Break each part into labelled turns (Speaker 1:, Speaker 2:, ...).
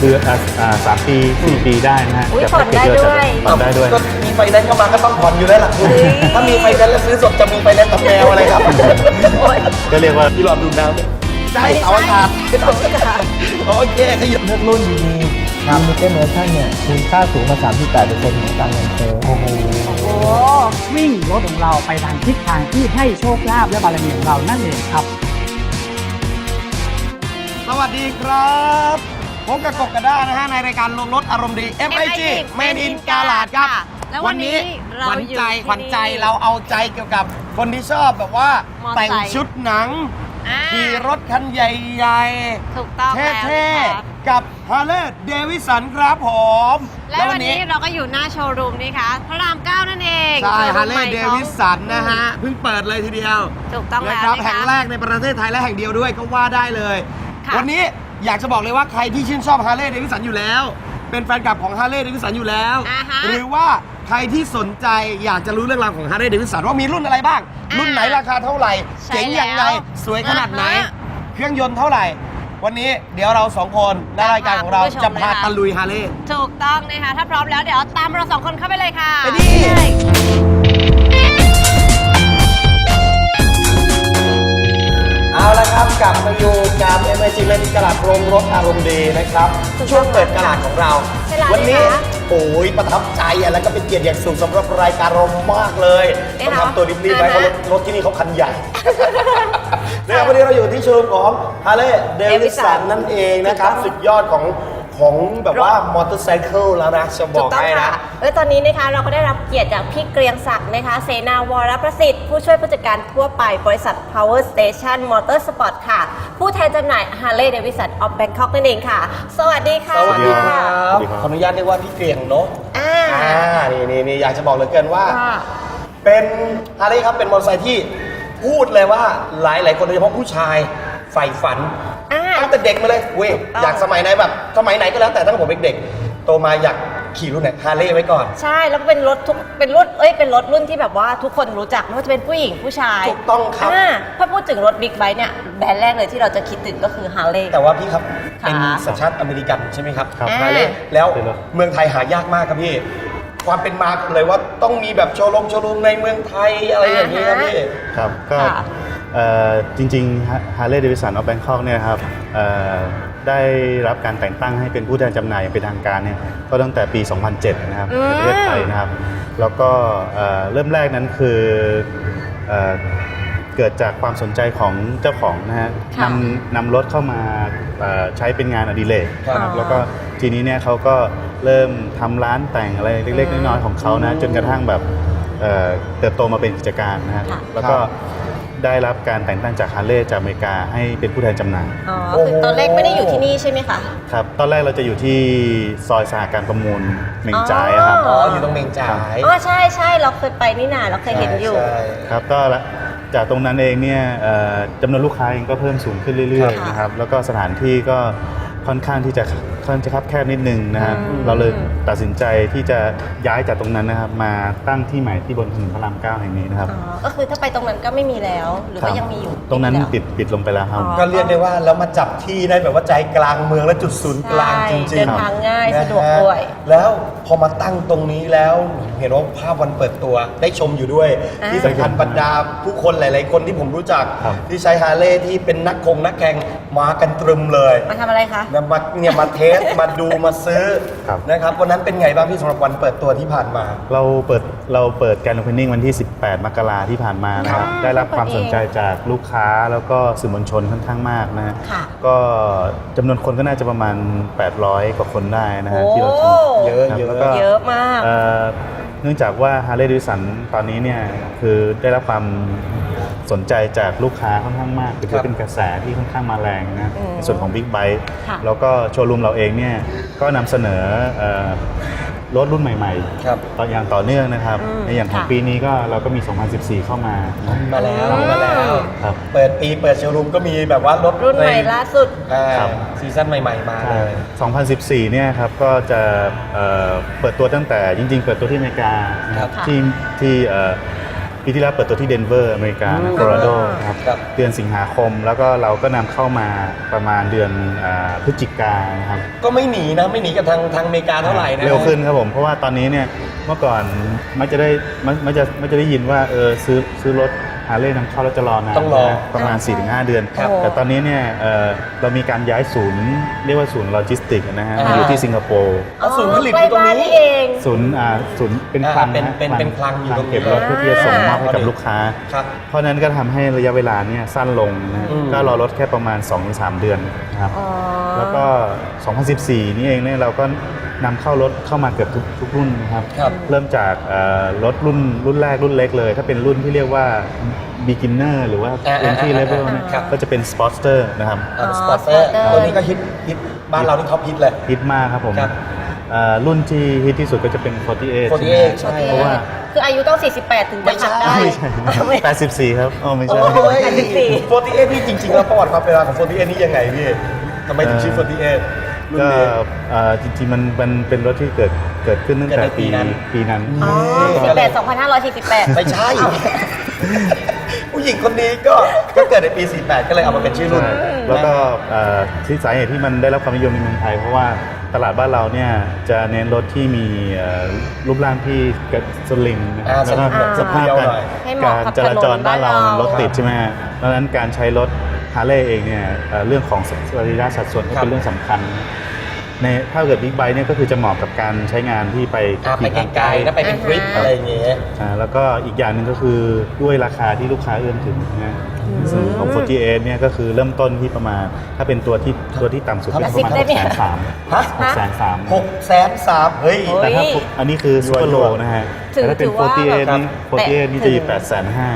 Speaker 1: คือ3 ปี4 ปีได้นะฮะ
Speaker 2: อุ๊ย
Speaker 1: จะ
Speaker 2: ผ่อนได้ด้วย
Speaker 1: ผ่อนได้ด้วย
Speaker 3: ก็มีไฟแนนซ์เข้ามาก็ต้องผ่อนอยู่แล้วล่ะคุณถ้ามีไฟแนนซ์แล้วซื้อสดจะมีไฟแนนซ์กับแมวอะไรครับ
Speaker 1: ก็เรียกว่า
Speaker 3: พี่หลอดดูน้ำใช่เอาอากาศโอเคขยับ
Speaker 4: เลือกรุ่นดีๆลิมิเต็ดเวอร์ชันเนี่ยมูลค่าสูงมา 38% ของการเงินเฟ้อ
Speaker 2: โอ้
Speaker 5: วิ่งรถของเราไปทางทิศทางที่ให้โชคลาภและบารมีของเรานั่นเองครับ
Speaker 3: สวัสดีครับผมกับกบกระด้านะฮะในรายการลงรถอารมณ์ดี MIG Made in กาลาดครับ
Speaker 2: แล้ววันนี้เรา
Speaker 3: ขวัญ
Speaker 2: อยู่
Speaker 3: ใจ
Speaker 2: ที่
Speaker 3: ขวัญใจเราเอาใจเกี่ยวกับคนที่ชอบแบบว่า
Speaker 2: มอไซค์
Speaker 3: แต่งชุดหนัง
Speaker 2: อ่า
Speaker 3: ขี่รถคันใหญ่
Speaker 2: ถูกต้อง
Speaker 3: ๆ
Speaker 2: แล้ว
Speaker 3: เท่
Speaker 2: นะคะ
Speaker 3: ๆ กับ Harley Davidson ครับผม
Speaker 2: และวันนี้เราก็อยู่หน้าโชว์รูมนี่ค่ะพระราม 9 นั่นเอง
Speaker 3: ใช่
Speaker 2: โชว์รูม
Speaker 3: Harley
Speaker 2: ใหม่ของ
Speaker 3: Davidson นะฮะเพิ่งเปิดเลยทีเดียว
Speaker 2: ถูกต้องแล้ว
Speaker 3: นะครับ
Speaker 2: นะ
Speaker 3: แห่ง
Speaker 2: คะ
Speaker 3: แรกในประเทศไทยและแห่งเดียวด้วยก็ว่าได้เลย
Speaker 2: ค่ะ
Speaker 3: วันนี้อยากจะบอกเลยว่าใครที่ชื่นชอบ Harley Davidson อยู่แล้ว เป็นแฟนคลับของ Harley Davidson อยู่แล้ว
Speaker 2: อ่าฮะ
Speaker 3: หรือว่าใครที่สนใจอยากจะรู้เรื่องราวของ Harley Davidson ว่ามีรุ่นอะไรบ้าง รุ่นไหนราคาเท่าไหร่
Speaker 2: ใช่
Speaker 3: เจ๋งยังไง
Speaker 2: แล้ว
Speaker 3: สวยขนาดไหน
Speaker 2: อ่าฮะ
Speaker 3: เครื่องยนต์เท่าไหร่ วันนี้เดี๋ยวเราสองคนในรายการของเรา
Speaker 2: คุณผู้ชม
Speaker 3: จะพา
Speaker 2: เลยค่ะ
Speaker 3: ตะลุย Harley
Speaker 2: ถูกต้องนะคะ ถ้าพร้อมแล้วเดี๋ยวตามเราสองคนเข้าไปเลยค่ะ
Speaker 3: ไปดิ เอาละครับกลับมาอยู่กับ MIG Made in กาลาดโรงรถอารมณ์ดีนะครับ
Speaker 2: ถูกต้อง
Speaker 3: ช่วงเปิดกาลาดของเรา
Speaker 2: ใช่แล้ว
Speaker 3: วันี้
Speaker 2: นะคะ
Speaker 3: โอ้ยประทับใจแล้วก็เป็นเกียรติอย่างสูงสำหรับรายการเรามากเลย
Speaker 2: เอ๊ะ
Speaker 3: ต้องทำตัวรีบๆไว้เพ
Speaker 2: อ่า
Speaker 3: ราะ
Speaker 2: ฮะ
Speaker 3: รถที่นี่เขาคันใหญ่ นะครับวันนี้เราอยู่ที่โชว์รูมของ Harley Davidson
Speaker 2: Davidson
Speaker 3: นั่นเองนะครับ
Speaker 2: ถูกต้อง
Speaker 3: สุดยอดของแบบว่ามอเตอร์ไซค์แล้วนะจะบ
Speaker 2: ถู
Speaker 3: อก
Speaker 2: กต้อง
Speaker 3: ให้
Speaker 2: ค่ะ
Speaker 3: นะ
Speaker 2: และตอนนี้นะคะเราก็ได้รับเกียรติจากพี่เกรียงศักดิ์นะคะเสนาวรประสิทธิ์ ผู้ช่วยผู้จัดการทั่วไปบริษัท Power Station Motorsport ค่ะ ผู้แทนจำหน่าย Harley Davidson of Bangkok นั่นเองค่ะ สวัสดีค่ะ
Speaker 3: สวัสดีครั
Speaker 1: สวั
Speaker 3: บ
Speaker 1: สดีครับ
Speaker 3: ขออนุญาตเรียกว่าพี่เกรียงเนาะ
Speaker 2: อ่า
Speaker 3: นี่อยากจะบอกเหลือเกินว่า
Speaker 2: ค่ะ
Speaker 3: เป็นฮาร์เลย์ครับเป็นมอเตอร์ไซค์ที่พูดเลยว่าหลายคนโดยเฉพาะผู้ชายใฝ่ฝัน
Speaker 2: อ่า
Speaker 3: ตั้งแต่เด็กมาเลยเว้ย
Speaker 2: ถูกต้อง
Speaker 3: อยากสมัยไหนแบบสมัยไหนก็แล้วแต่ตั้งแต่ผมเด็กๆโตมาอยากขี่รุ่นไหนฮาร์เลย์ไว้ก่อน
Speaker 2: ใช่แล้วก็เป็นรถเป็นรุ่นที่แบบว่าทุกคนรู้จักไม่ว่าจะเป็นผู้หญิงผู้ชาย
Speaker 3: ถูกต้องครับ
Speaker 2: ถ้าพูดถึงรถบิ๊กไบค์เนี่ยแบรนด์แรกเลยที่เราจะคิดถึงก็คือ Harley
Speaker 3: แต่ว่าพี่ครับ
Speaker 2: ค่ะ
Speaker 3: เป็นสัญชาติอเมริกันใช่ไหมครับ
Speaker 1: ครับ
Speaker 3: ฮาร์เลย์แล้ว
Speaker 1: เป็นรถ
Speaker 3: เมืองไทยหายากมากครับพี่ ความเป็นมาเลยว่าต้องมีแบบโชว์รูมในเมืองไทยอะไรอย่างนี้ครับพี่
Speaker 1: ครับก็
Speaker 2: ค่ะ
Speaker 1: จริงๆ Harley Davidson of Bangkok เนี่ยครับได้รับการแต่งตั้งให้เป็นผู้แทนจำหน่ายอย่างเป็นทางการเนี่ยก็ตั้งแต่ปี 2007 นะครับในประเทศไทยนะครับ แล้วก็เริ่มแรกนั้นคือเกิดจากความสนใจของเจ้าของนะฮะ
Speaker 2: ค่ะ
Speaker 1: นำรถเข้ามาใช้เป็นงานอดิเรก
Speaker 3: ครับ
Speaker 1: นะครับแล้วก็ทีนี้เนี่ยเขาก็เริ่มทำร้านแต่งอะไรเล็กๆน้อยๆของเขานะจนกระทั่งแบบเติบโตมาเป็นกิจการนะฮะ
Speaker 2: ค่ะ
Speaker 1: แล้วก็ได้รับการแต่งตั้งจากฮาร์เลย์จากอเมริกาให้เป็นผู้แทนจำหน่าย
Speaker 2: อ๋อคือตอนแรกไม่ได้อยู่ที่นี่ใช่ไหมคะ
Speaker 1: ครับตอนแรกเราจะอยู่ที่ซอยสหการประมูลเหม่งจ่ายอะครับ
Speaker 3: อ๋ออยู่ตรงเมงจ่าย
Speaker 2: อ๋อใช่เราเคยไปนี่นาเราเคยเห็นอยู่
Speaker 3: ใช่
Speaker 1: ครับก็จากตรงนั้นเองเนี่ยจำนวนลูกค้าเองก็เพิ่มสูงขึ้นเรื่อยๆ
Speaker 2: ค่ะ
Speaker 1: นะครับแล้วก็สถานที่ก็ค่อนข้างที่จะคับแคบนิดนึงนะฮะ
Speaker 2: อืม
Speaker 1: เราเลยตัดสินใจที่จะย้ายจากตรงนั้นนะครับมาตั้งที่ใหม่ที่บนถนนพระราม 9 แห่งนี้นะครับ
Speaker 2: อ๋อก็คือถ้าไปตรงนั้นก็ไม่มีแล้ว หรือว่ายังมีอยู่
Speaker 1: ตรงนั้น
Speaker 2: ไม่มีแล้ว
Speaker 1: ปิดลงไปแล้วครับ
Speaker 2: อ๋อ
Speaker 3: ก็เรียกได้ว่าแล้วมาจับที่ได้แบบว่าใจกลางเมืองและจุดศูนย์กลางจริงๆ
Speaker 2: ใช่เดินทางง่าย
Speaker 3: นะฮะ
Speaker 2: สะดวกด้วย
Speaker 3: แล้วพอมาตั้งตรงนี้แล้วเห็นว่าภาพวันเปิดตัวได้ชมอยู่ด้วย
Speaker 2: อ่า
Speaker 3: ที่สำคัญบรรดาผู้คนหลายๆคนที่ผมรู้จัก
Speaker 1: ครับ
Speaker 3: ที่ใช้ฮาร์เลย์ที่เป็นนักแข่งมากันตรึมเลย
Speaker 2: มาทำอะไรคะ
Speaker 3: มาเทส มาดูมาซื้อ
Speaker 1: ครับ
Speaker 3: นะครับวันนั้นเป็นไงบ้างพี่สำหรับวันเปิดตัวที่ผ่านมา
Speaker 1: เราเปิดการโอเพนนิ่งวันที่ 18 มกราที่ผ่านมานะครับ
Speaker 2: ค่ะ
Speaker 1: ได้รับความสนใจจากลูกค้าแล้วก็สื่อมวลชนค่อนข้างมากนะฮะ
Speaker 2: ค่ะ
Speaker 1: ก็จำนวนคนก็น่าจะประมาณ 800 กว่าคนได้นะฮะ
Speaker 2: โอ้
Speaker 1: ที่เราชม
Speaker 3: เยอะ
Speaker 1: ครับ
Speaker 3: เยอะ
Speaker 1: แล้วก็
Speaker 2: เยอะมาก
Speaker 1: เนื่องจากว่า Harley Davidson ตอนนี้เนี่ยคือได้รับความสนใจจากลูกค้าค่อนข้างมากถือว่าเป็นกระแสที่ค่อนข้างมาแรงนะ
Speaker 2: อืม
Speaker 1: ในส่วนของ Big Bike
Speaker 2: ค่ะ
Speaker 1: แล้วก็โชว์รูมเราเองเนี่ยก็นำเสนอรถรุ่นใหม่
Speaker 3: ครับ
Speaker 1: ต่ออย่างต่อเนื่องนะครับ
Speaker 2: อืม
Speaker 1: ในอย่างของ
Speaker 2: ค่ะ
Speaker 1: ปีนี้ก็เราก็มี 2014 เข้ามานะ
Speaker 3: มาแล้ว
Speaker 2: อืม
Speaker 3: มาแล้ว
Speaker 1: ครับ
Speaker 3: เปิดโชว์รูมก็มีแบบว่ารถ
Speaker 2: รุ่นใหม่ล่าสุด
Speaker 1: ครับ
Speaker 3: ซีซั่นใหม่ๆมาเลย
Speaker 1: 2014 เนี่ยครับก็จะเปิดตัวตั้งแต่จริงๆ เปิดตัวที่อเมริกานะครับ
Speaker 2: ค่ะ
Speaker 1: ที่ปีที่แล้วเปิดตัวที่เดนเวอร์อเมริกาโคโลราโดครับ
Speaker 3: ครับ
Speaker 1: เดือนสิงหาคมแล้วก็เราก็นำเข้ามาประมาณเดือนพฤศจิกายนนะครับ
Speaker 3: ก็ไม่หนีนะไม่หนีกับทางอเมริกาเท่าไหร่นะ
Speaker 1: เร็วขึ้นครับผมเพราะว่าตอนนี้เนี่ยเมื่อก่อนมักจะได้ยินว่าซื้อรถฮาร์เลย์นำเข้าแล้วจะรอนาน
Speaker 3: ต้องรอ
Speaker 1: นะประมาณ 4-5 เดือน
Speaker 2: ครับ
Speaker 1: แต่ตอนนี้เนี่ยเรามีการย้ายศูนย์เรียกว่าศูนย์โลจิสติกส์นะฮะ
Speaker 3: อ่า
Speaker 1: มาอยู่ที่สิงคโปร์
Speaker 3: เอาศูนย์ผลิตอยู่ตรงนี้
Speaker 2: ใกล้บ้าเอง
Speaker 1: ศูนย์เป็นคลัง
Speaker 3: เป็นคลังอยู่ตรงนี้
Speaker 1: เก็บรถเพื่อที่จะส่งมอบให้กับลูกค้า
Speaker 3: ครับ
Speaker 1: เพราะฉะนั้นก็ทำให้ระยะเวลาเนี่ยสั้นลงนะฮะ
Speaker 3: อืม
Speaker 1: ก็รอรถแค่ประมาณ 2-3 เดือนนะครับ
Speaker 2: อ๋อ
Speaker 1: แล้วก็ 2014 นี่เองเนี่ยเราก็นำเข้ารถเข้ามาเกือบทุกรุ่นนะครับ
Speaker 3: ครับ
Speaker 1: เริ่มจากรถรุ่นแรกรุ่นเล็กเลย ถ้าเป็นรุ่นที่เรียกว่า beginner หรือว่า entry level เนี่ย
Speaker 3: ครับ
Speaker 1: ก็จะเป็น Sportster นะครับ
Speaker 3: สปอร์ตเตอร์ตัวนี้ก็ฮิตบ้านเรานี่ท็อปฮิตเลย
Speaker 1: ฮิตมากครับผม
Speaker 3: ครับ
Speaker 1: รุ่นที่ฮิตที่สุดก็จะเป็น 48
Speaker 3: 48
Speaker 1: ใช่ไหม
Speaker 3: ใช่
Speaker 1: เพราะว่า
Speaker 2: คืออายุต้อง 48 ถึงจะขับได้
Speaker 1: ไม่ใช่84 ครับอ๋อไม่ใช่
Speaker 3: โอ้ย
Speaker 2: 84
Speaker 3: 48นี่จริงๆแล้วประวัติความเป็นมาของ48นี่ยังไงพี่ทำไมถึงชื่อ48รุ่น
Speaker 1: ก็
Speaker 3: นี้
Speaker 1: จริงๆมันเป็นรถที่เกิดขึ้นตั้งแต่
Speaker 3: เกิดในปีนั้น
Speaker 1: ปีนั้น
Speaker 2: อ๋อ 18
Speaker 3: ไม่ใช่ ผู้หญิงคนนี้ก็เกิดในปี 48 ก็เลยเอามาเป็นชื่อรุ่น
Speaker 1: ใช่แล้วก็ที่สาเหตุที่มันได้รับความนิยมในเมืองไทย เพราะว่าตลาดบ้านเราเนี่ยจะเน้นรถที่มีรูปร่างที่กระสลิมนะครับ
Speaker 3: สลิม
Speaker 1: แล้วก็สภาพ
Speaker 3: เรียวหน่อย
Speaker 2: ให้เหมาะ
Speaker 1: การ
Speaker 2: กับ
Speaker 1: จราจรบ้านเรา
Speaker 2: ถนนบ้านเรา
Speaker 1: รถติดใช่ไหมฮะดังนั้นการใช้รถฮาร์เลย์เองเนี่ยเรื่องของสรีระสัดส่วนก็เป็นเรื่องสำคัญในถ้าเกิดบิ๊กไบค์เนี่ยก็คือจะเหมาะกับการใช้งานที่ไป
Speaker 3: ไปไกลๆนะไปเป็นทริปอะไรอย่างเงี้ย
Speaker 1: แล้วก็อีกอย่างหนึ่งก็คือด้วยราคาที่ลูกค้าเอื้อมถึงนะซึ่งของ 48 เนี่ยก็คือเริ่มต้นที่ประมาณถ้าเป็นตัวที่ต่ำสุดก็ประมาณ
Speaker 2: ได้ไหม
Speaker 3: ฮะ
Speaker 1: 630,000
Speaker 3: 630,000เฮ้ย
Speaker 1: แต่ถ้าอันนี้คือซูเปอร์โล
Speaker 3: รวยๆ
Speaker 1: นะฮะ
Speaker 2: ถือ
Speaker 1: แต่ถ้าเป็น
Speaker 2: ถือว่า
Speaker 1: 48 นี่ 48 นี่จะอยู่
Speaker 2: แต่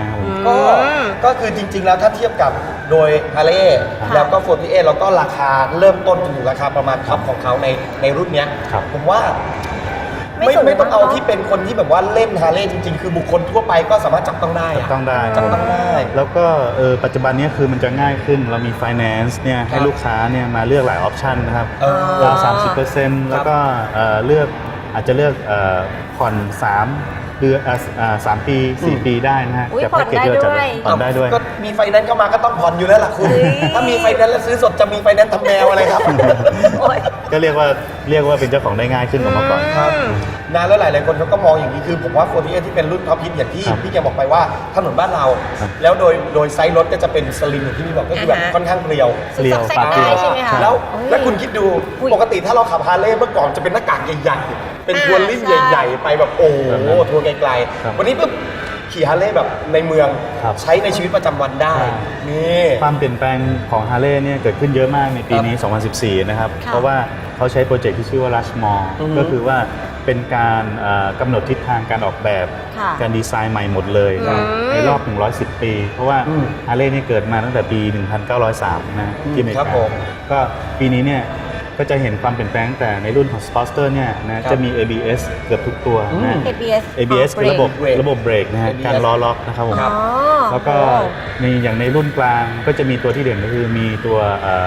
Speaker 1: 850,000
Speaker 3: ก็คือจริงๆแล้วถ้าเทียบกับโดยฮาร์เลย์
Speaker 2: ค่ะ
Speaker 3: แล้วก็48แล้วก็ราคาเริ่มต้นจนถึงราคาประมาณท็อปของเขาในรุ่นเนี้ย
Speaker 1: ครับ
Speaker 3: ผมว่า
Speaker 2: ไม่สูง
Speaker 3: ไม่ต้องเอา
Speaker 2: มากเนอะ
Speaker 3: ที่เป็นคนที่แบบว่าเล่นฮาร์เลย์จริงๆ คือบุคคลทั่วไปก็สามารถจับต้องได้
Speaker 1: จับต้องได้
Speaker 3: จับต้องได้
Speaker 1: แล้วก็ปัจจุบันเนี้คือมันจะง่ายขึ้นเรามี finance เนี่ยให้
Speaker 3: ครับ
Speaker 1: ลูกค้าเนี่ยมาเลือกหลายออปชันนะครับ
Speaker 3: เออ
Speaker 1: ดาว30%แล้วก็เลือกอาจจะเลือกผ่อน3 เดือน3 ปี 4 ปีได้นะฮะ
Speaker 2: อุ๊ย
Speaker 1: จากแพ็กเกจที่เราจัด
Speaker 2: ผ่อนได้ด้วย
Speaker 1: ผ่อนได้ด้วย
Speaker 3: ก็มีไฟแนนซ์เข้ามาก็ต้องผ่อนอยู่แล้วล่ะคุณ
Speaker 2: เฮ้ย
Speaker 3: ถ้ามีไฟแนนซ์แล้วซื้อสดจะมีไฟแนนซ์ทำแนวอะไรครับ
Speaker 2: โอ๊ย
Speaker 1: ก็เรียกว่าเป็นเจ้าของได้ง่ายขึ้นกว่าเมื่อก่อน
Speaker 3: ครับนะแล้วหลายๆคนเขาก็มองอย่างนี้คือผมว่า48ที่เป็นรุ่นท็อปฮิตอย่างที่
Speaker 1: ครับ
Speaker 3: พี่แกบอกไปว่าถนนบ้านเรา
Speaker 1: ครับ
Speaker 3: แล้วโดยไซส์รถก็จะเป็นสลิมอย่างที่พี่บอกก็คือแบบ
Speaker 2: อ่าฮะ
Speaker 3: ค่อนข้างเรียว
Speaker 1: เรียว
Speaker 2: ซอกแซกได้ใช่ไหมคะ
Speaker 3: แล้ว
Speaker 2: โอ้ย
Speaker 3: แล้วคุณคิดดู
Speaker 2: อุ๊ย
Speaker 3: ปกติถ้าเราขับฮาร์เลย์เมื่อก่อนจะเป็นหน้ากากใหญ่ๆ เป็น
Speaker 2: อ่า
Speaker 3: ทัวริ่ง
Speaker 2: ใช่
Speaker 3: ใหญ่ๆ ไปแบบโอ้โห
Speaker 1: แบบนั้น
Speaker 3: ทัวร์ไกล
Speaker 1: ครับ
Speaker 3: ๆวันนี้ปุ๊บขี่ฮาร์เลย์แบบในเมือง
Speaker 1: ครับ
Speaker 3: ใช้ในชีวิตประจำวันได้
Speaker 1: ใช่
Speaker 3: นี่
Speaker 1: ความเปลี่ยนแปลงของฮาร์เลย์เนี่ยเกิดขึ้นเยอะมากในปีนี้ 2014 นะครับ
Speaker 2: ค่ะ
Speaker 1: เพราะว่าเขาใช้โปรเจกต์ที่ชื่อว่า Rushmore
Speaker 3: อือฮึ
Speaker 1: ก็คือว่าเป็นการกำหนดทิศทางการออกแบบ
Speaker 2: ค่ะ
Speaker 1: การดีไซน์ใหม่หมดเลยนะ
Speaker 2: อืม
Speaker 1: ในรอบ 110 ปี เพราะว่า
Speaker 3: อืม
Speaker 1: ฮาร์เลย์เนี่ยเกิดมาตั้งแต่ปี 1903 นะที่อเมริ
Speaker 3: ครับ
Speaker 1: กา
Speaker 3: ผม
Speaker 1: ก็ปีนี้เนี่ยก็จะเห็นความเปลี่ยนแปลงตั้งแต่ในรุ่นของ Sportster เนี่ยนะจะมี ABS เกือบทุกตัวนะ ABS คือระบบเบรกนะฮะ
Speaker 3: ABS
Speaker 1: การล้อล็อกนะครับผม
Speaker 3: ครับ
Speaker 1: แล้วก็อย่างในรุ่นกลางก็จะมีตัวที่เด่นก็คือมีตัว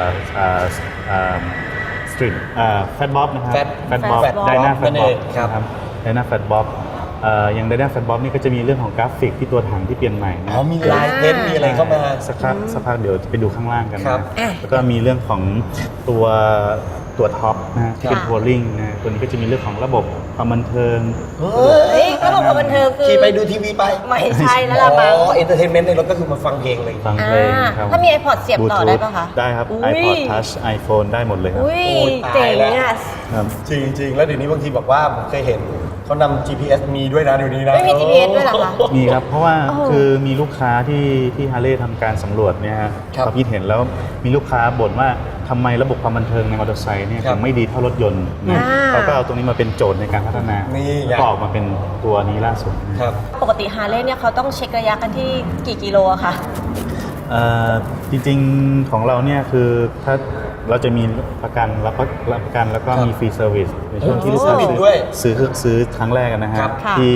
Speaker 1: สตรีทแฟตบ๊อบนะครับ
Speaker 3: Fat
Speaker 1: บ๊อบ
Speaker 3: Fat Bob
Speaker 1: ไดนาแฟ
Speaker 3: นั่
Speaker 1: ต
Speaker 3: น
Speaker 1: บ๊อบ
Speaker 3: เองครับ
Speaker 1: นะครับไดนาแฟตบ๊อบอย่างไดนาแฟตบ๊อบนี่ก็จะมีเรื่องของกราฟิกที่ตัวถังที่เปลี่ยนใหม่นะ
Speaker 3: อ๋อมีลายเพ้นท์มีอะไรเข้ามา
Speaker 1: สักพักเดี๋ยวจะไปดูข้างล่างกัน
Speaker 3: ครั
Speaker 1: นะ
Speaker 3: บ
Speaker 1: แล้วก็มีเรื่องของตัวท็อปนะฮะที่เป็น
Speaker 2: ค่ะ
Speaker 1: ทัวริงนะตัวนี้ก็จะมีเรื่องของระบบความบันเทิง
Speaker 3: เฮ้
Speaker 2: เฮ้
Speaker 3: ย
Speaker 2: ยระบบความบันเทิงคือ
Speaker 3: ขี่ไปดูทีวีไป
Speaker 2: ไม่ใช่แล้วล่ะ
Speaker 3: อ๋
Speaker 2: มั้ง
Speaker 3: อเอนเตอร์เทนเมนต์ในรถก็คือมาฟังเพลงเลย
Speaker 1: ฟังเพลงครับ
Speaker 2: ถ้ามี iPod เสียบต่อได้ปะคะ
Speaker 1: ได้ครับ
Speaker 2: อุ๊ย
Speaker 1: iPod Touch iPhone ได้หมดเลยครับ
Speaker 2: อุ้ย
Speaker 3: โอ้ย
Speaker 2: เจ๋
Speaker 3: ตาย
Speaker 2: ง
Speaker 3: แล้ว
Speaker 2: อ่ะ
Speaker 1: ครับ
Speaker 3: จริงๆ แล้วเดี๋ยวนี้บางทีบอกว่าผมเคยเห็นเขานำ GPS มีด้วยนะเดี๋ยวนี้นะ
Speaker 2: ไม่มี GPS ด้วยเหรอคะ
Speaker 1: มีครับ เพราะว่า
Speaker 2: โอ้โห
Speaker 1: คือมีลูกค้าที่ฮาร์เลย์ทำการสำรวจเนี่ยฮะ
Speaker 3: ครับ
Speaker 1: ความคิดเห็นแล้วมีลูกค้าบ่นว่าทำไมระบบความบันเทิงในมอเตอร์ไซค์เนี่ย
Speaker 3: ครับ
Speaker 1: ถึงไม่ดีเท่ารถยนต์นะ
Speaker 2: อ่า
Speaker 1: เขาก็เอาตรงนี้มาเป็นโจทย์ในการพัฒนา
Speaker 3: นี่ไง
Speaker 1: แล้วก็ออกมาเป็นตัวนี้ล่าสุดนะ
Speaker 3: ครับ
Speaker 2: ปกติฮาร์เลย์เนี่ยเขาต้องเช็คระยะกันที่กี่กิโลอะคะ
Speaker 1: จริงๆของเราเนี่ยคือถ้าเราจะมีประกันรับประกันแล้วก็
Speaker 3: ครับ
Speaker 1: มีฟรีเซอร์วิสในช่วงที่
Speaker 3: โอ้
Speaker 1: ลูกค้า
Speaker 3: มีด้วย
Speaker 1: ซื้อครั้งแรกนะฮะ
Speaker 3: ครับ
Speaker 2: ค่ะ
Speaker 1: ที่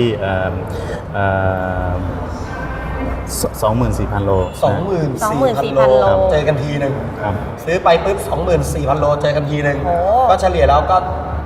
Speaker 1: 24,000 โล
Speaker 3: 24,000 โล
Speaker 2: โล
Speaker 3: เจอกันทีหนึ่ง
Speaker 1: ครับ
Speaker 3: ซื้อไปปุ๊บ 24,000 โลเจอกันทีหนึ่ง
Speaker 2: โอ้
Speaker 3: ก็เฉลี่ยแล้วก็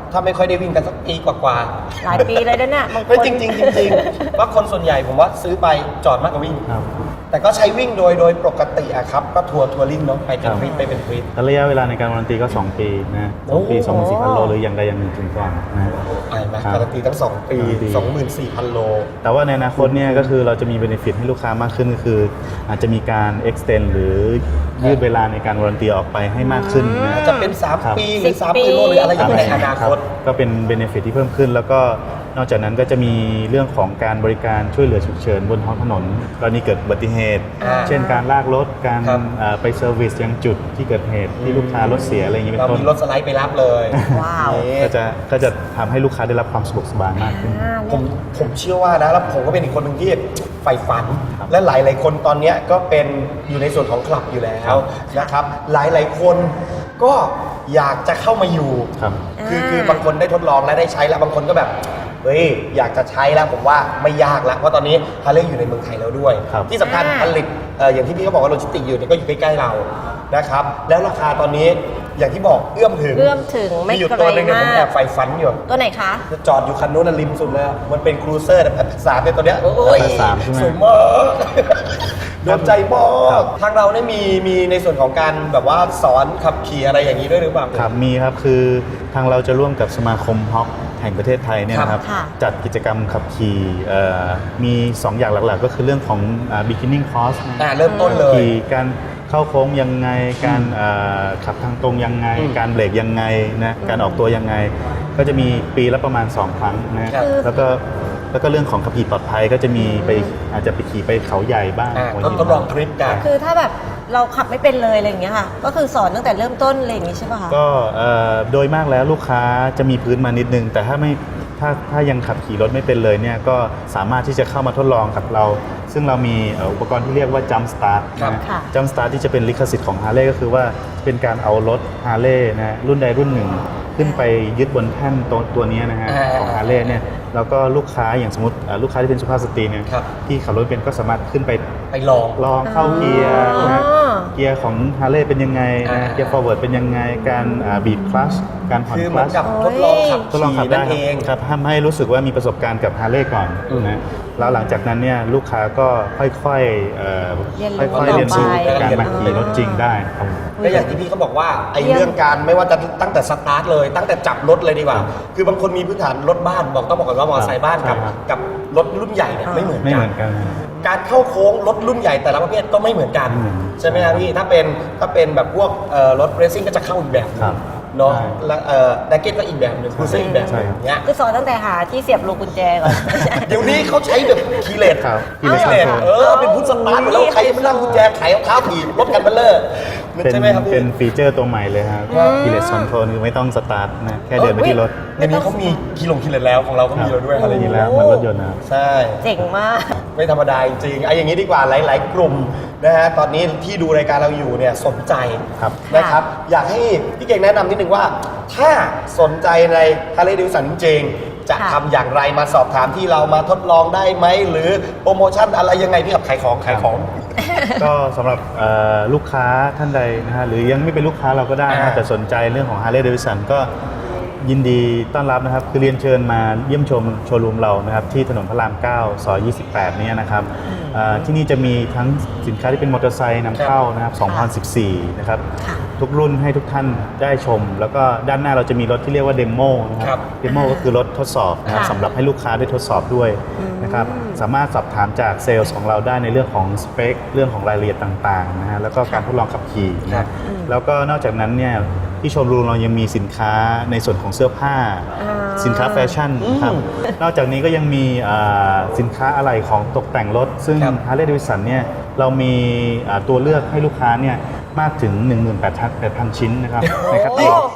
Speaker 3: ถ้าไม่ค่อยได้วิ่งกันสักปีกว่า
Speaker 2: หลายปีเลยนะเนี่ยบาง
Speaker 3: ๆ
Speaker 2: ค
Speaker 3: ไม่
Speaker 2: น
Speaker 3: จริงๆจริงๆว่าคนส่วนใหญ่ผมว่าซื้อไปจอดมากกว่าวิ่ง
Speaker 1: ครับ
Speaker 3: แต่ก็ใช้วิ่งโดยปกติอะครับก็ทัวริ่งเนาะไปเป็นทริปไปเป็นทริป
Speaker 1: แล้วระยะเวลาในการวารันตีก็ 2 ปีนะ2 ปี
Speaker 3: โอ้
Speaker 1: 24,000 โลหรืออย่างใดอย่างหนึ่งถึงก่อนนะ
Speaker 3: ไปไหม
Speaker 1: ครับ
Speaker 3: การันตีทั้ง 2 ปี 24,000 โล
Speaker 1: แต่ว่าในอนาคตเนี่ยก็คือเราจะมีเบนฟิตให้ลูกค้ามากขึ้นก็คือ อาจจะมีการ extend หรือยืดเวลาในการวารันตีออกไปให้มากขึ้นนะ
Speaker 3: จะเป็น
Speaker 1: ครับ
Speaker 3: 3 ปีหรือ
Speaker 2: 10 ปี
Speaker 3: 30,000 โลหรืออะไรอย่างเงี้ยในอนาคต
Speaker 1: ก็เป็นเบนฟิตที่เพิ่มขึ้น แล้วก็นอกจากนั้นก็จะมีเรื่องของการบริการช่วยเหลือฉุกเฉินบนท้องถนนกรณีเกิดอุบัติเหตุ
Speaker 3: อ่า
Speaker 1: เช่นการลากรถการ
Speaker 3: ครับ
Speaker 1: ไปเซอร์วิสยังจุดที่เกิดเหตุที่ลูกค้ารถเสียอะไรอย่างนี้เป็
Speaker 3: เรา
Speaker 1: นต้น
Speaker 3: มีรถสไลด์ไปรับเลย
Speaker 2: ว้าว
Speaker 3: นี่
Speaker 1: ก็จะทำให้ลูกค้าได้รับความสะดวกสบายมากขึ้น
Speaker 3: ผมเชื่อว่านะแล้วผมก็เป็นอีกคนหนึ่งที่ใฝ่ฝัน
Speaker 1: ครับ
Speaker 3: และหลายๆคนตอนเนี้ยก็เป็นอยู่ในส่วนของคลับอยู่แล้ว
Speaker 1: ครับ
Speaker 3: นะครับ หลายๆคนก็อยากจะเข้ามาอยู่
Speaker 1: ครับ
Speaker 3: คือบางคนได้ทดลองและได้ใช้แล้วบางคนก็แบบเฮ้ยอยากจะใช้แล้วผมว่าไม่ยากแล้วเพราะตอนนี้ฮาร์เลย์อยู่ในเมืองไทยแล้วด้วย
Speaker 1: ครับ
Speaker 3: ที่สำคัญผลิตอย่างที่พี่เขาบอกว่าโลจิสติกอยู่เนี่ยก็อยู่ใกล้ๆเรานะครับแล้วราคาตอนนี้อย่างที่บอกเอื้อมถึง
Speaker 2: เอื้อมถึงไม่
Speaker 3: อยู่
Speaker 2: ไกล
Speaker 3: ตัวหนึงเนี่ยผม
Speaker 2: มาก
Speaker 3: แอบใฝ่ฝันอยู่
Speaker 2: ตัวไหนคะ
Speaker 3: จอดอยู่คันนู้นนะริมสุดเลยอะมันเป็นครูเซอร์แต่ภาษาเป็นตัวเนี้ยโอ้ย
Speaker 1: ภาษาใช่ไหม
Speaker 3: สวยมากโดนใจมากทางเราเนี่ยมีในส่วนของการแบบว่าสอนขับขี่อะไรอย่างนี้ด้วยหรือเปล่า
Speaker 1: ครับมีครับคือทางเราจะร่วมกับสมาคมฮอกแห่งประเทศไทยเนี่ยนะครับ
Speaker 2: ค่ะ
Speaker 1: จัดกิจกรรมขับขี่มี 2 อย่างหลักๆ ก็คือเรื่องของ beginning course นะ
Speaker 3: เริ่มต้นเลย
Speaker 1: ขี่การเข้าโค้งยังไง การขับทางตรงยังไง
Speaker 3: อืม
Speaker 1: การเบรกยังไงนะการออกตัวยังไง ก็จะมีปีละประมาณ 2 ครั้งนะครับ แล้วก็เรื่องของขับขี่ปลอดภัยก็จะมีไปอาจจะไปขี่ไปเขาใหญ่บ้างหัว
Speaker 3: ต้อง
Speaker 1: หิน
Speaker 3: ทดลองทริปกัน
Speaker 2: คือถ้าแบบเราขับไม่เป็นเลยอะไรอย่างเงี้ยค่ะ ก็คือสอนตั้งแต่เริ่มต้นอะไรอย่างงี้ใช่ป่ะคะ
Speaker 1: ก็โดยมากแล้วลูกค้าจะมีพื้นมานิดนึง แต่ถ้ายังขับขี่รถไม่เป็นเลยเนี่ยก็สามารถที่จะเข้ามาทดลองกับเรา ซึ่งเรามีอุปกรณ์ที่เรียกว่า Jump Start
Speaker 3: ครับ
Speaker 2: ค่ะ
Speaker 1: Jump Start ที่จะเป็นลิขสิทธิ์ของ Harley ก็คือว่าเป็นการเอารถ Harley นะรุ่นใดรุ่นหนึ่ง ขึ้นไปยึดบนแท่นตัวนี้นะฮะของ Harley เนี่ยแล้วก็ลูกค้าอย่างสมมติลูกค้าที่เป็นสุภาพสตรีเนี่ย
Speaker 3: ครับ
Speaker 1: ที่ขับรถเป็นก็สามารถขึ้นไป
Speaker 3: ไปลอง
Speaker 1: ลองเข้าเกียร์นะฮะ
Speaker 2: อ๋อ
Speaker 1: เกียร์ของ Harley เป็นยังไงนะเกียร์ forward เป็นยังไงการบีบคลัชการผ่อน
Speaker 3: คือ
Speaker 1: ค
Speaker 3: เหมื
Speaker 1: ลั
Speaker 3: อน
Speaker 1: ช
Speaker 3: กับทดลองขับ
Speaker 1: ทดลองขับ
Speaker 3: ขี่
Speaker 1: ได้
Speaker 3: นั่นเอง
Speaker 1: ครับทำให้รู้สึกว่ามีประสบการณ์กับ Harley ก่อน
Speaker 3: อืม
Speaker 1: นะแล้วหลังจากนั้นเนี่ยลูกค้าก็ค่อยๆ
Speaker 2: เรียนรู้
Speaker 1: ค่อยๆเรียนรู้
Speaker 2: ต่อไป
Speaker 1: การมาขี่รถจริงได้ครับ
Speaker 3: และอย่างที่พี่เขาบอกว่าไอ้เรื่องการไม่ว่าจะตั้งแต่สตาร์ทเลยตั้งแต่จับรถเลยดีกว่า คือบางคนมีพื้นฐานรถบ้านต้องบอกก่อนว่ามอเตอร์ไซค์บ้านกับ
Speaker 1: ใช่ครับ
Speaker 3: กับรถรุ่นใหญ่เนี่ยไม่เหมือน
Speaker 1: ไม่
Speaker 3: กั
Speaker 1: เห
Speaker 3: น
Speaker 1: มือนกัน
Speaker 3: การเข้าโค้งรถรุ่นใหญ่แต่ละประเภทก็ไม่เหมือนกัน
Speaker 1: ไม่เหมือน
Speaker 3: ใช่ไหมครับพี่ถ้าเป็นแบบพวกรถเรซซิ่งก็จะเข้าอีกแบบหนึ
Speaker 1: ครั
Speaker 3: ง
Speaker 1: บ
Speaker 3: เนาะ
Speaker 1: ใช่
Speaker 3: แล้วดักเก็ตก็อีกแบบหนึ่งคูเซ่อีกแบบห
Speaker 1: ใช่
Speaker 3: นึง
Speaker 1: ครับ
Speaker 3: เนี้ย
Speaker 2: คือสอนตั้งแต่หาที่เสียบลูกกุญแจก่อน
Speaker 3: เดี๋ยวนี้เขาใช้แบบคีย์เลส
Speaker 1: ครับ
Speaker 3: คีย์เลส เป็นพุทธสตาร์ทอยู่แล้วใครไม่นั่งกุญแจไขเอาเท้าถีบรถกันเบลเลอร์
Speaker 1: เป็น
Speaker 3: ใช่ไหมครับพี่
Speaker 1: เป็นฟีเจอร์ตัวใหม่เลยครับกิเลสคอนโทรลคือไม่ต้องสตาร์ทนะแค่เดินไปที่รถ
Speaker 3: เดี๋ยวนี้เขามีคีย์เลสแล้วของเราก็มีแล้วด้วย
Speaker 1: ค
Speaker 3: อะ
Speaker 1: รับ
Speaker 3: ไรอย่าง
Speaker 1: มี
Speaker 3: เงี้ย
Speaker 1: แล้วเหมือนรถยนต์นะครับ
Speaker 3: ใช่
Speaker 2: เจ๋งมาก
Speaker 3: ไม่ธรรมดาจริงๆไอ้อย่างนี้ดีกว่าหลาย ๆ กลุ่มนะฮะตอนนี้ที่ดูรายการเราอยู่เนี่ยสนใจ
Speaker 1: ครับ
Speaker 3: นะครับ อยากให้พี่เก่งแนะนำนิดนึงว่า ถ้าสนใจใน Harley Davidson จริงๆจะ
Speaker 2: ค่ะ
Speaker 3: ทำอย่างไรมาสอบถามที่เรามาทดลองได้ไหม หรือโปรโมชั่นอะไรยังไงพี่กับขายของ
Speaker 1: ก็สำหรับลูกค้าท่านใดนะฮะหรือยังไม่เป็นลูกค้าเราก็ได้นะฮะแต่สนใจเรื่องของ Harley Davidson ก็ยินดีต้อนรับนะครับคือเรียนเชิญมาเยี่ยมชมโชว์รูมเรานะครับที่ถนนพระราม 9 ซอย 28 เนี่ยนะครับที่นี่จะมีทั้งสินค้าที่เป็นมอเตอร์ไซค์นำเข้านะครับ 2014 นะครับ ทุกรุ่นให้ทุกท่านได้ชม แล้วก็ด้านหน้าเราจะมีรถที่เรียกว่าเดโมนะค
Speaker 3: ครั
Speaker 1: รับบ เดโมก็คือรถทดสอบนะครับ
Speaker 2: ค่ะ
Speaker 1: สำหรับให้ลูกค้าได้ทดสอบด้วยนะครับสามารถสอบถามจากเซลล์ของเราได้ในเรื่องของสเปคเรื่องของรายละเอียดต่างๆนะฮะแล้วก็การทดลองขับขี่
Speaker 3: ครั
Speaker 1: นะ
Speaker 3: บ
Speaker 1: แล้วก็นอกจากนั้นเนี่ยที่โชว์รูมเรายังมีสินค้าในส่วนของเสื้อผ้า สินค้าแฟชั่นครับนอกจากนี้ก็ยังมีสินค้าอะไหล่ของตกแต่งรถ ซึ่ง
Speaker 3: ครับ
Speaker 1: Harley Davidson เนี่ยเรามีตัวเลือกให้ลูกค้าเนี่ยมากถึง 18,000 ชิ้นนะครับในแคตตาล็อก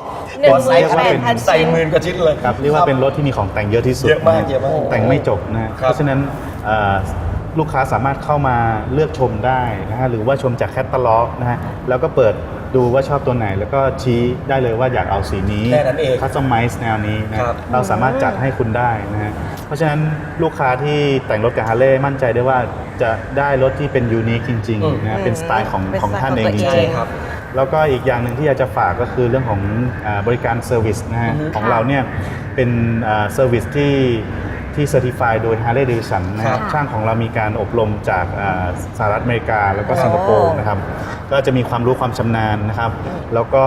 Speaker 2: 18,000
Speaker 3: ใส่หมื่นกว่าชิ้นเลย
Speaker 1: ครับเรียกว่าเป็นรถที่มีของแต่งเยอะที่สุด
Speaker 3: เยอะมาก
Speaker 1: น
Speaker 3: เยอะมาก
Speaker 1: แต่งไม่จบนะ
Speaker 3: ครับ
Speaker 1: เพราะฉะนั้นลูกค้าสามารถเข้ามาเลือกชมได้นะฮะหรือว่าชมจากแคตตาล็อกนะฮะแล้วก็เปิดดูว่าชอบตัวไหน แล้วก็ชี้ได้เลยว่าอยากเอาสีนี้
Speaker 3: แค่นั้นเอง
Speaker 1: คัสตอมไมซ์แนวนี้นะครับ เราสามารถจัดให้คุณได้นะฮะเพราะฉะนั้นลูกค้าที่แต่งรถกับฮาร์เลย์มั่นใจได้ว่าจะได้รถที่เป็นยูนิคจริงๆนะเป็นสไตล์ของ
Speaker 2: เป็น
Speaker 1: ของ
Speaker 2: สไตล์
Speaker 1: ท่านเอง
Speaker 2: ของ
Speaker 1: จ
Speaker 2: ตัวเอง
Speaker 1: ริง
Speaker 3: ครับ
Speaker 1: ๆแล้วก็อีกอย่างหนึ่งที่อยากจะฝากก็คือเรื่องของบริการเซอร์วิสนะฮะของเราเนี่ยเป็นเซอร์วิสที่เซอร์ติฟายโดย Harley Davidson นะครับช่างของเรามีการอบรมจากสหรัฐอเมริกาแล้วก็สิงคโปร์นะครับก็จะมีความรู้ความชำนาญนะครับแล้วก็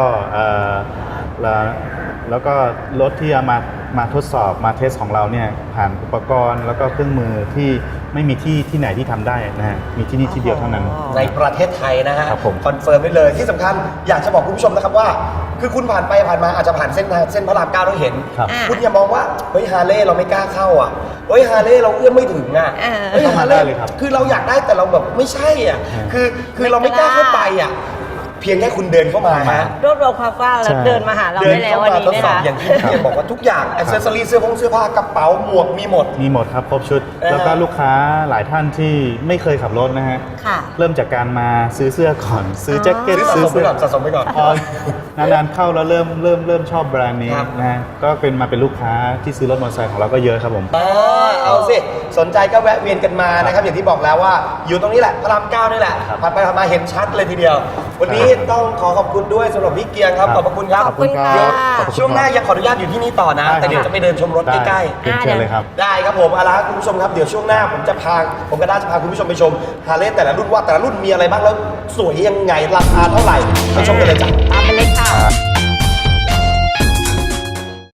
Speaker 1: แล้วก็รถที่เอามาทดสอบมาเทสของเราเนี่ยผ่านอุปกรณ์แล้วก็เครื่องมือที่ไม่มีที่ไหนที่ทำได้นะฮะมีที่นี่ที่เดียวเท่านั้น
Speaker 3: ในประเทศไทยนะฮะ
Speaker 1: ครับผม
Speaker 3: คอนเฟิร์มไว้เลยที่สำคัญอยากจะบอกคุณผู้ชมนะครับว่า คือคุณผ่านไปผ่านมาอาจจะผ่านเส้นพระราม9แล้วเห็น
Speaker 1: ครับ
Speaker 3: คุณอย่ามองว่าเฮ้ยฮาร์เลย์เราไม่กล้าเข้าอ่ะเฮ้ยฮาร์เลย์เราเอื้อมไม่ถึงอ่ะเฮ้ย
Speaker 1: เข้ามา
Speaker 3: ฮาร์เล
Speaker 1: ได้
Speaker 3: ย์
Speaker 1: เลยครับ
Speaker 3: คือเราอยากได้แต่เราแบบไม่ใช่อ่ะคือเราไม่กล้าเข้าไปอ่ะเพียงแค่คุณเดินเข้ามาฮะ
Speaker 2: รวบรวมความกล้าแล้ว
Speaker 1: ใช่
Speaker 2: เดินมาหาเรา
Speaker 3: เดิ
Speaker 2: ได้แล้ววันนี้
Speaker 3: ทด
Speaker 2: นะ
Speaker 3: สอบ
Speaker 2: คะ
Speaker 3: อย่างที่พี่เกียรติบอกว่าทุกอย่างอ c เซสซอรี่เสื้อผ้ากระเป๋าหมวกมีหมด
Speaker 1: มีหมดครับครบชุด แล้วก็ลูกค้าหลายท่านที่ไม่เคยขับรถนะฮะ
Speaker 2: ค่ะ
Speaker 1: เริ่มจากการมาซื้อเสื้อก่อน ซื้อแจ็คเก็ต
Speaker 3: ซื้อสะสมไป
Speaker 1: เสื้
Speaker 3: ก่อนสะสมไปก่อน
Speaker 1: พอนานๆเข้าแล้วเริ่มชอบแบรนด์นี้
Speaker 3: ครับ
Speaker 1: นะฮะก็เป็นลูกค้าที่ซื้อรถมอเตอร์ไซค์ของเราก็เยอะครับผม
Speaker 3: เอาสิสนใจก็แวะเวียนกันมานะครับอย่างที่บอกแล้วว่าอยู่ตรงนี้แหละพระราม9นี่แหละ
Speaker 1: ครับ
Speaker 3: ผ่านไปผ่านมาเห็นชัดเลยทีเดียว วันนี้ต้องขอขอบคุณด้วยสำหรับพี่เกียงครับ
Speaker 1: ครับ
Speaker 3: ขอบพระคุณครับ
Speaker 2: ขอบคุณค่ะ
Speaker 3: เดี๋ยว
Speaker 1: ขอบคุณครับ
Speaker 3: ช่วงหน้ายังขออนุญาตอยู่ที่นี่ต่อนะ
Speaker 1: ได้
Speaker 3: แต่เดี๋ยวจะไปเดินชมรถใกล้
Speaker 1: เชิญเลยครับ
Speaker 3: ๆได้ครับผมเอาละครับคุณผู้ชมครับเดี๋ยวช่วงหน้าผมก็ได้จะพาคุณผู้ชมไปชมฮาร์เลย์แต่ละรุ่นว่าแต่ละรุ่นมีอะไรบ้างแล้วสวยยังไงราคาเท่าไหร่ไปชมกันเลยจ้ะ
Speaker 2: ตามไปเลยค่ะ